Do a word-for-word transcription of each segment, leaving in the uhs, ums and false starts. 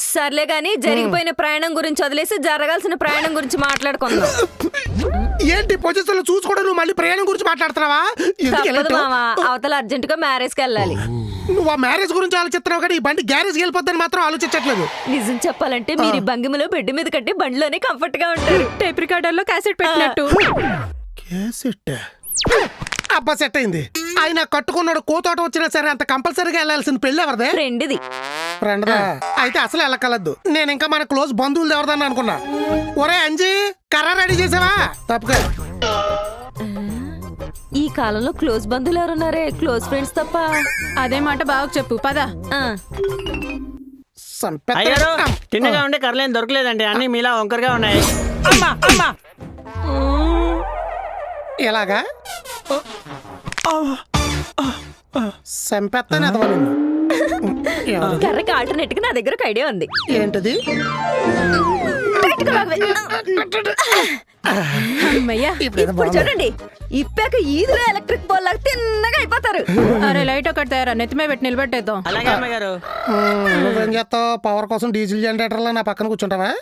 సర్లే గాని జరిగిపోయిన ప్రయాణం గురించి వదిలేసి జరగాల్సిన ప్రయాణం గురించి మాట్లాడుకుందాం. ఏంటి పొజిషన్ చూసుకోవడం నువ్వు మళ్ళీ ప్రయాణం గురించి మాట్లాడుతున్నావా? తప్పదు మావా, అవతల అర్జెంట్ గా మ్యారేజ్ కి వెళ్ళాలి. నువ్వు ఆ మ్యారేజ్ గురించి ఆలోచిస్తున్నావు కానీ ఈ బండి గ్యారేజ్ వెళ్ళిపోద్దని మాత్రం ఆలోచించట్లేదు. నిజం చెప్పాలంటే మీరు ఈ భంగిమలో బెడ్ మీద కట్టి బండిలోనే కంఫర్ట్ గా ఉంటారు. టేప్ రికార్డర్ లో క్యాసెట్ పెట్టినట్టు. క్యాసెట్ అబ్బా సెట్ అయింది. ఆయన కట్టుకున్నాడు కోతోట వచ్చినా సరే అంత కంపల్సరీగా వెళ్ళాల్సిన పెళ్లి ఎవరిదే? ఫ్రెండ్ది. ఫ్రెండ్దా? అయితే అసలు వెళ్ళకలద్దు. నేను ఇంకా మన క్లోజ్ బంధువులు ఎవరిదని అనుకున్నా. ఒరే అంజీ, కర్ర రెడీ చేసావా? తప్పక ఈ కాలంలో క్లోజ్ బంధువులు ఎవరున్నారే? క్లోజ్ ఫ్రెండ్స్ తప్ప. అదే మాట బాగా చెప్పు పద. తిన్నగా ఉండే కర్రలేం దొరకలేదండి, అన్ని మీలా వంకరగా ఉన్నాయి. అమ్మా అమ్మా ఎలాగా సంపెత్తాను ఎదవను. కర్రకి ఆల్టర్నేట్ గా నా దగ్గర ఒక ఐడియా ఉంది. ఏంటది? ఇప్పుడు చూడండి, ఇప్పాక ఈదులో ఎలక్ట్రిక్ పోల్ లాగా తిన్నగా అయిపోతారు. అరే లైట్ ఒకటి తయారా, నెత్తిమే పెట్టి నిలబెట్టేద్దాం. అలాగే అమ్మాయి గారు. నువ్వేం చేస్తావు? పవర్ కోసం డీజిల్ జనరేటర్ లో నా పక్కన కూర్చుంటావా?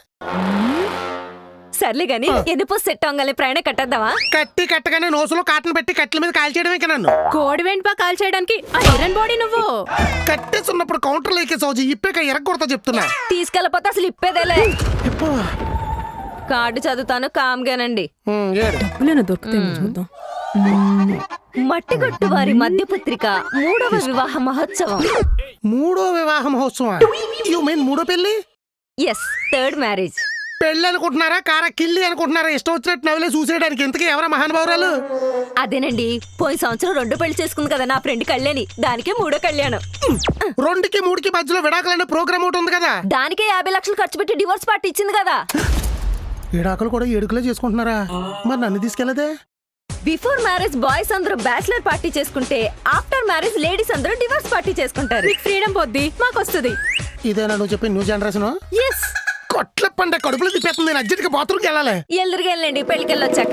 సర్లే గాని ఎన్ని పోసి సెట్ అవ్వగానే ప్రయాణం కట్టేద్దామా? కట్టి కట్టగానే నోసులో కాటన్ పెట్టి కట్టెల మీద కాల్ చేయడమే నన్ను. కోడి వెంటపా కాల్ చేయడానికి ఐరన్ బాడీ నువ్వు. కట్టేస్తున్నప్పుడు కౌంటర్ లేకే సౌజీ ఇప్పేక ఎరగొడతా చెప్తున్నా. తీసుకెళ్ళపోతే అసలు ఇప్పేదేలే. కార్డు చదువుతాను కామ్గానండి. మట్టిగట్టు వారి మధ్య పత్రిక మూడవ వివాహ మహోత్సవం. మూడో వివాహ మహోత్సవం? యు మీన్ మూడో పెళ్లి? Yes, third marriage. పెళ్లి అనుకుంటున్నారా, కారా కిల్లి అనుకుంటున్నారా? ఇష్టం వచ్చినట్టు నవ్వులే చూసేయడానికి. ఇంతకీ ఎవరా మహానుభావురాలు? అదేనండి, పోయిన సంవత్సరం రెండు పెళ్లి చేసుకుంది కదా నా ఫ్రెండ్ కళ్యాణి, దానికే మూడో కళ్యాణం. రెండుకి మూడుకి మధ్యలో విడాకులనే ప్రోగ్రామ్ ఒకటి ఉంది కదా, దానికే యాభై లక్షలు ఖర్చు పెట్టి డివోర్స్ పార్టీ ఇచ్చింది కదా. విడాకులు కూడా ఏడుకులే చేసుకుంటున్నారా? మరి నన్ను తీసుకెళ్లదే? బిఫోర్ మ్యారేజ్ బాయ్స్ అందరూ బ్యాచిలర్ పార్టీ చేసుకుంటే ఆఫ్టర్ మ్యారేజ్ లేడీస్ అందరూ డివోర్స్ పార్టీ చేసుకుంటారు. ఫ్రీడమ్ పొద్ది మాకు వస్తుంది. ఇదేనా నువ్వు చెప్పి న్యూ జనరేషన్? ఎస్. కొట్ల పండ కడుపులో తిప్పేస్తుంది. నేను అర్జెంట్గా బాత్రూమ్కి వెళ్ళాలి. ఎల్లురుగా వెళ్ళండి, పెళ్లికి వెళ్ళొచ్చాక.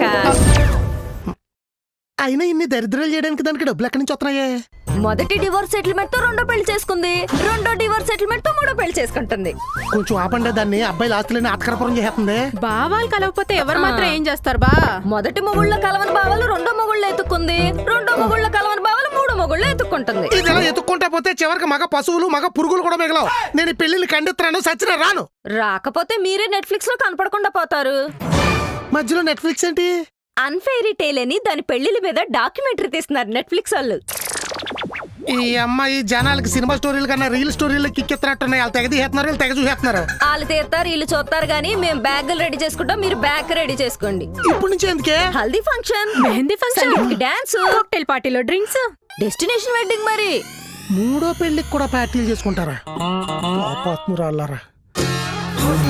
అయినా ఇన్ని దరిద్రాలు చేయడానికి దానికి డబ్బులు ఎక్కడి నుంచి వస్తున్నాయే? మొదటి డివోర్స్ సెటిల్మెంట్ తో రెండో పెళ్లి చేసుకుంది, రెండో డివోర్స్ సెటిల్మెంట్ తో మూడో పెళ్లి చేసుకుంటుంది. కొంచెం ఆపండే దాన్ని. అబ్బాయి ఆస్తులని ఆత్కరపురం చేస్తుంది. బావాలు కలవకపోతే ఎవరు మాత్రం ఏం చేస్తారు బా? మొదటి మొగుళ్ళ కలవని బావలు రెండో మొగుళ్ళు ఎత్తుక్కుంది, రెండో మొగుళ్ళ కలవని బావలు మూడో మొగుళ్ళు ఎత్తుక్కుంటుంది. ఇది ఎలా ఎత్తుక్కుంటా పోతే చివరికి మగ పశువులు మగ పురుగులు కూడా మిగలవు. నేను ఈ పెళ్లిని ఖండిస్తున్నాను, సచిన రాను. రాకపోతే మీరే నెట్ఫ్లిక్స్ లో కనపడకుండా పోతారు. మధ్యలో నెట్ఫ్లిక్స్ ఏంటి? అన్ఫెయిరీ టేల్ అని దాని పెళ్లిల మీద డాక్యుమెంటరీ తీస్తున్నారు నెట్ఫ్లిక్స్ వాళ్ళు. ఈ అమ్మాయి జనాలకి సినిమా స్టోరీలు కన్నా రీల్ స్టోరీలు కిక్కెత్తినట్టున్నాయి. వాళ్ళు తెగ తీసేస్తున్నారు, వీళ్ళు తెగ చూసేస్తున్నారు. వాళ్ళు తీస్తారు, వీళ్ళు చూస్తారు గానీ మేము బ్యాగులు రెడీ చేసుకుంటాం, మీరు బ్యాగ్ రెడీ చేసుకోండి. ఇప్పటి నుంచి ఎందుకే? Haldi function, mehndi function, dance, cocktail పార్టీలో డ్రింక్స్, డెస్టినేషన్ వెడ్డింగ్. మరి మూడో పెళ్లికి కూడా పార్టీలు చేసుకుంటారా? పాపాత్మురాళ్ళారా.